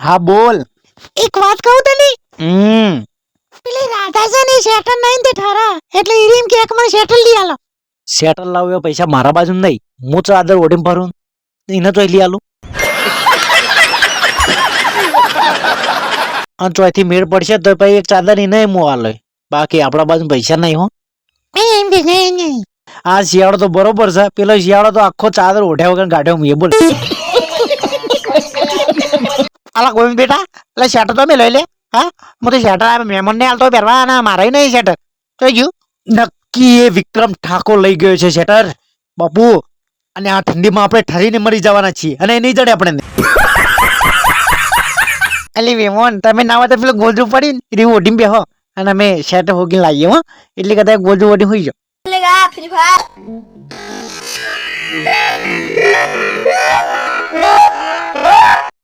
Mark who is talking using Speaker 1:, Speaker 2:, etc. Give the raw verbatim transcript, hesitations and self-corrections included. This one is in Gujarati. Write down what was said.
Speaker 1: હા બોલ.
Speaker 2: એક વાત કહું તને,
Speaker 1: હમ
Speaker 2: પેલી રાધા છે ને શેટર નહીં તે ઠારા એટલે ઈરીમ કે એક મને શેટર લઈ આલો.
Speaker 1: સેટલ લાવ્યો પૈસા મારા બાજુ નહીં, હું ચાદર ઓઢીને ફરું એને તો લઈ આલું. અને ચોથી મેળ પડશે તો પછી એક ચાદર એને હું આલે, બાકી આપણા બાજુ પૈસા નહીં હો.
Speaker 2: એમ કે નહીં નહીં
Speaker 1: આ શિયાળો તો બરોબર છે, પેલો શિયાળો તો આખો ચાદર ઓઢ્યા વગર કાઢ્યો મેં બોલ.
Speaker 2: અલા ગોવિંદ બેટા, એટલે શેટર તો મેં લઈ લે. હા હું તો શેટર આ મહેમાન ને હાલતો પહેરવા અને મારે નહીં શેટર તો ગયું.
Speaker 1: નક્કી એ વિક્રમ ઠાકોર લઈ ગયો છે શેટર બાપુ, અને આ ઠંડીમાં આપણે ઠરીને મરી જવાના છીએ અને એ નહીં જડે આપણે.
Speaker 2: અલી વેમોન તમે ના હોય તો પેલું ગોદરું પડી રીવ ઓઢીને બેહો અને અમે શેટર હોગીને લાવીએ હો, એટલે કદાચ ગોદરું ઓઢી હોઈ જાઓ.
Speaker 3: लेगा फ्री फायर